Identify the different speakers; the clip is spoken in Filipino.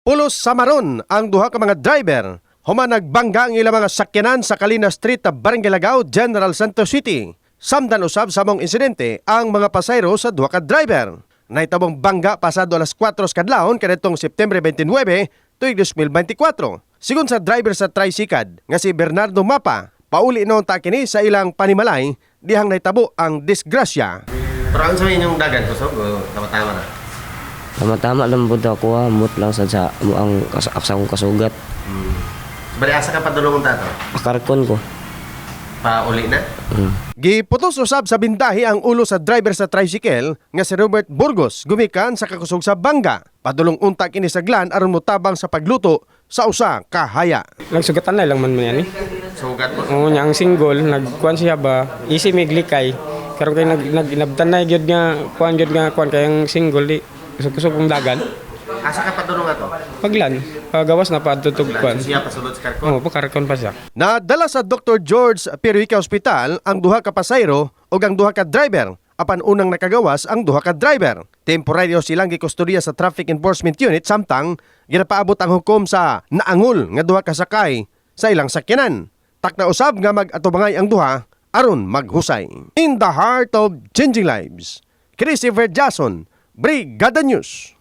Speaker 1: Pulos sa maron ang duha ka mga driver. Human nagbangga ang ilang mga sakyanan sa Calina Street, Barangay Lagao, General Santos City. Samdan usab sa mong insidente ang mga pasayro sa duha ka driver. Nahitabong bangga pasado alas 4 kadlawon kadtong September 29, tuig 2024. Sigon sa driver sa tricycad nga si Bernardo Mapa, pauli noon ta kini sa ilang panimalay dihang nahitabo ang disgrasya.
Speaker 2: Pero ang sabihin yung dagan kusog o tama-tama na?
Speaker 3: Tama-tama lang po ako, amot lang sa ang akong kasugat.
Speaker 2: Bali asa ka padulong tato?
Speaker 3: Pakarkon ko.
Speaker 2: Pauli na?
Speaker 1: Giputos usab sa bindahi ang ulo sa driver sa tricycle nga si Robert Burgos gumikan sa kakusog sa bangga. Padulong unta kini sa glan aron motabang sa pagluto sa usa ka haya.
Speaker 4: Nagsugatan na lang man yan eh.
Speaker 2: Sugat mo?
Speaker 4: Oo niya, ang single, nagkuhan siya ba, isi may glikay. Karon kay nabtan na gyud nga kuan kay ang single di kusog-kusog ang dagan.
Speaker 2: Asa ka padulong ato?
Speaker 4: Paglan, pagawas na padtutog kuan.
Speaker 2: Siya pasulod sa karkon?
Speaker 4: Oo, pakarkon pa siya.
Speaker 1: Nadala sa Dr. George Peruica Hospital ang duha ka pasayro ug ang duha ka driver. Apan unang nakagawas ang duha ka driver. Temporaryo silang gikustodiya sa Traffic Enforcement Unit samtang ginapaabot ang hukom sa naangol nga duha ka sakay sa ilang sakyanan. Takna usab nga mag-atubangay ang duha aron maghusay. In the heart of changing lives, Christopher Jason, Brigada News.